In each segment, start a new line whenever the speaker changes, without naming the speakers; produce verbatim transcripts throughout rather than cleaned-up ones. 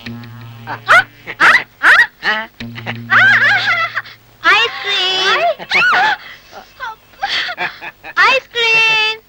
Ice cream ice cream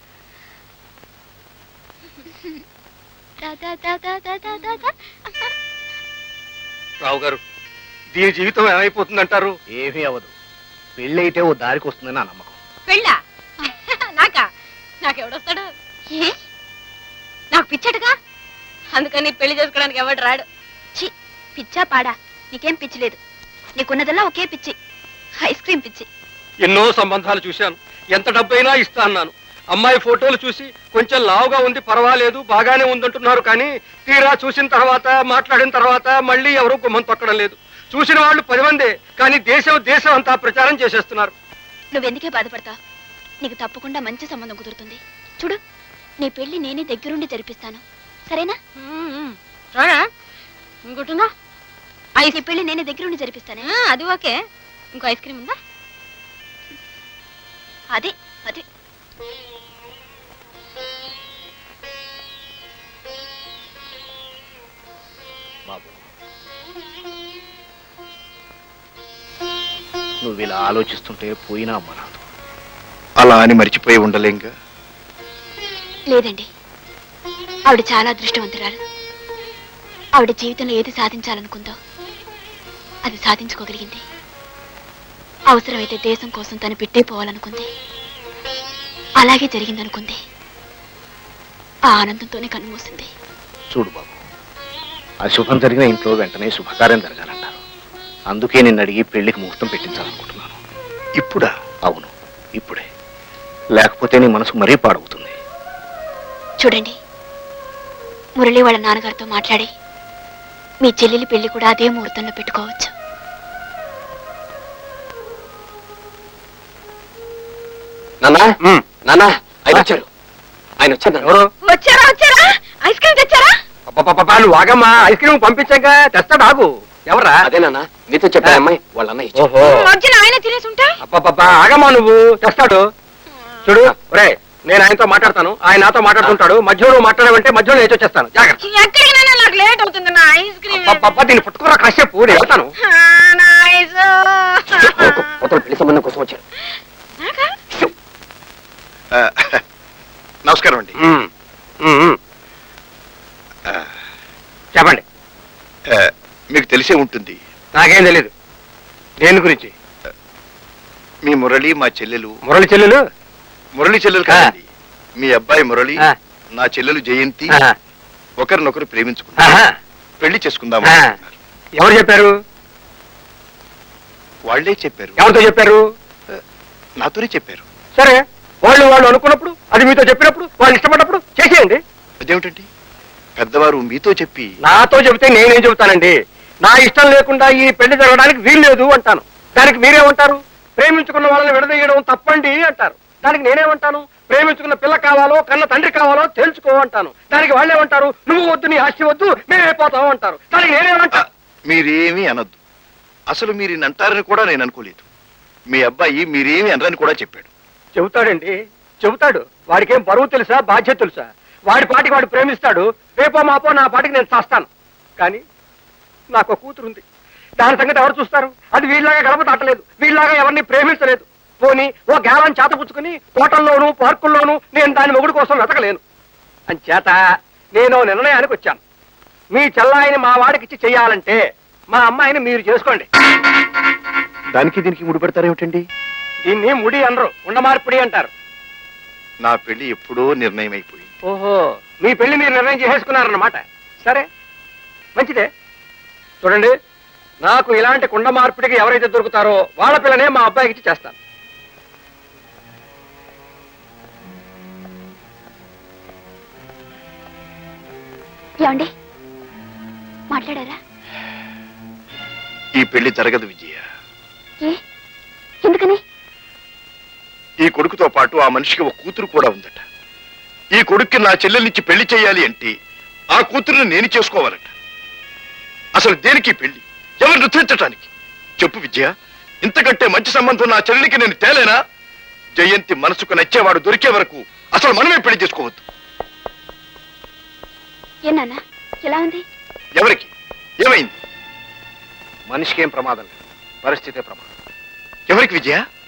Rao garu, దీని జీవితం ఏమైపోతుందంటారు?
ఏమీ అవ్వదు. పెళ్ళి అయితే ఓ దారికి వస్తుందని నా నమ్మకం.
పెళ్ళా? నాకా? నాకెవడొస్తాడు? ఏ నాకు పిచ్చటగా, అందుకని పెళ్లి చేసుకోవడానికి ఎవడు రాడు. చి, పిచ్చా పాడా? నీకేం పిచ్చి లేదు. నీకున్నదల్లా ఒకే పిచ్చి, ఐస్ క్రీమ్ పిచ్చి.
ఎన్నో సంబంధాలు చూశాను, ఎంత డబ్బైనా ఇస్తా అన్నాను. అమ్మాయి ఫోటోలు చూసి కొంచెం లావుగా ఉంది, పర్వాలేదు, బాగానే ఉందంటున్నారు. కానీ తీరా చూసిన తర్వాత, మాట్లాడిన తర్వాత మళ్ళీ ఎవరూ గుమ్మం తొక్కడం లేదు. చూసిన వాళ్ళు పది మందే, కానీ దేశం దేశం అంతా ప్రచారం చేసేస్తున్నారు.
నువ్వెందుకే బాధపడతావు? నీకు తప్పకుండా మంచి సంబంధం కుదురుతుంది. చూడు, నీ పెళ్లి నేనే దగ్గరుండి జరిపిస్తాను, సరేనా? ఇంకోటిందా? ఐస్ నీ పెళ్లి నేనే దగ్గరుండి జరిపిస్తానే. అది ఓకే. ఇంకో ఐస్ క్రీమ్ ఉందా? అదే అదే.
బాబు, నువ్వు ఇలా ఆలోచిస్తుంటే పోయినా అమ్మ రాదు.
అలా అని మర్చిపోయి ఉండలేంగా?
లేదండి, ఆవిడ చాలా అదృష్టవంతురాలు. ఆవిడ జీవితంలో ఏది సాధించాలనుకుందో అది సాధించుకోగలిగింది. అవసరమైతే దేశం కోసం తను పెట్టే పోవాలనుకుంది, అలాగే జరిగిందనుకుంది. ఆ ఆనందంతోనే కన్నుమూసింది.
చూడు బాబు, అశుభం జరిగిన ఇంట్లో వెంటనే శుభకార్యం జరగాలంటారు. అందుకే నిన్ను అడిగి పెళ్లికి ముహూర్తం పెట్టించాలనుకుంటున్నాను.
ఇప్పుడా?
అవును, ఇప్పుడే. లేకపోతే నీ మనసు మరీ పాడవుతుంది.
చూడండి, మురళి వాళ్ళ నాన్నగారితో మాట్లాడి మీ చెల్లెలి పెళ్లి కూడా అదే ముహూర్తంలో పెట్టుకోవచ్చు.
నానా నానా ఆయన వచ్చారు, ఆయన వచ్చారు. ఎవరు
వచ్చారా? వచ్చారా? ఐస్ క్రీమ్ తెచ్చారా?
నువ్వు ఆగమ్మా, ఐస్ క్రీమ్ పంపించాక తెస్తాడు, ఆగు. ఎవరా?
అదేనా నీతో చెప్పా అమ్మాయి వాళ్ళ అన్నయ్య.
ఓహో,
ఆయన తినేసి ఉంటా.
అబ్బా ఆగమ్మా, నువ్వు తెస్తాడు. చూడు ఒరే, నేను ఆయనతో మాట్లాడతాను, ఆయన నాతో మాట్లాడుతుంటాడు. మధ్యలో నువ్వు మాట్లాడమంటే మధ్యలో లేచి వచ్చేస్తాను. జాగ్రత్త.
ఎక్కడికైనా నాకు లేట్ అవుతుంది. నా ఐస్ క్రీమ్
అబ్బా, దీన్ని పుట్టుకురా కాసేపు, నేను వెళ్తాను.
పెళ్లి సంబంధం కోసం వచ్చారు.
నమస్కారం అండి.
చెప్పండి.
మీకు తెలిసే ఉంటుంది.
నాకేం తెలీదు దేని గురించి.
మీ మురళి మా చెల్లెలు.
మురళి చెల్లెలు?
మురళి చెల్లెలు కాదండి, మీ అబ్బాయి మురళి, నా చెల్లెలు జయంతి ఒకరినొకరు ప్రేమించుకున్నారు, పెళ్లి చేసుకుందాం.
ఎవరు చెప్పారు?
వాళ్లే చెప్పారు.
ఎవరితో చెప్పారు?
నాతోనే చెప్పారు.
సరే, వాళ్ళు వాళ్ళు అనుకున్నప్పుడు, అది మీతో చెప్పినప్పుడు, వాళ్ళు ఇష్టపడినప్పుడు చేసేయండి.
అదేమిటండి, పెద్దవారు మీతో చెప్పి
నాతో చెబితే నేనేం చెబుతానండి? నా ఇష్టం లేకుండా ఈ పెళ్లి జరగడానికి వీలు లేదు అంటాను. దానికి మీరేమంటారు? ప్రేమించుకున్న వాళ్ళని విడదీయడం తప్పండి అంటారు. దానికి నేనేమంటాను? ప్రేమించుకున్న పిల్ల కావాలో కన్న తండ్రి కావాలో తెలుసుకో అంటాను. దానికి వాళ్ళేమంటారు? నువ్వు వద్దు, నీ ఆస్తి వద్దు, మేమైపోతాం అంటారు. దానికి నేనేమంటా?
మీరేమీ అనొద్దు. అసలు మీరు అంటారని కూడా నేను అనుకోలేదు. మీ అబ్బాయి మీరేమి అనరని కూడా చెప్పాడు.
చెబుతాడండి, చెబుతాడు. వాడికేం బరువు తెలుసా, బాధ్యత తెలుసా? వాడి పాటికి వాడు ప్రేమిస్తాడు. రేపో మాపో నా పాటికి నేను చేస్తాను. కానీ నాకు కూతురుంది, దాని సంగతి ఎవరు చూస్తారు? అది వీళ్ళలాగా గడప దాటలేదు, వీళ్ళలాగా ఎవరిని ప్రేమించలేదు. పోనీ ఓ గేలాన్ని చేతపుచ్చుకుని తోటల్లోనూ పార్కుల్లోనూ నేను దాని మొగుడు కోసం వెతకలేను. అంచేత నేను నిర్ణయానికి వచ్చాను. మీ చెల్లాయిని మా వాడికి ఇచ్చి చెయ్యాలంటే మా అమ్మాయిని మీరు చేసుకోండి.
దానికి దీనికి ముడిపెడతారేమిటండి?
దీన్ని ముడి అనరు, ఉండమార్పిడి అంటారు.
నా పెళ్లి ఎప్పుడో నిర్ణయం అయిపోయింది.
ఓహో, మీ పెళ్లి మీరు నిర్ణయం చేసేసుకున్నారన్నమాట. సరే, మంచిదే. చూడండి, నాకు ఇలాంటి కుండ మార్పిడికి ఎవరైతే దొరుకుతారో వాళ్ళ పిల్లనే మా అబ్బాయికి ఇచ్చి చేస్తాను.
ఏమండి, మాట్లాడారా?
ఈ పెళ్లి జరగదు విజయ.
ఏ, ఎందుకని?
ఈ కొడుకుతో పాటు ఆ మనిషికి ఒక కూతురు కూడా ఉందట. ఈ కొడుక్కి నా చెల్లెల్నిచ్చి పెళ్లి చేయాలి అంటే ఆ కూతురుని నేను చేసుకోవాలట. అసలు దేనికి పెళ్లి? ఎవరు నృత్యించటానికి? చెప్పు విజయ, ఇంతకంటే మంచి సంబంధం నా చెల్లెలికి నేను తేలేనా? జయంతి మనసుకు నచ్చేవాడు దొరికే వరకు అసలు మనమే పెళ్లి చేసుకోవద్దు.
ఏనా ఎలా ఉంది?
ఎవరికి ఏమైంది?
మనిషికి ఏం ప్రమాదం లేదు, పరిస్థితే ప్రమాదం.
ఎవరికి విజయ?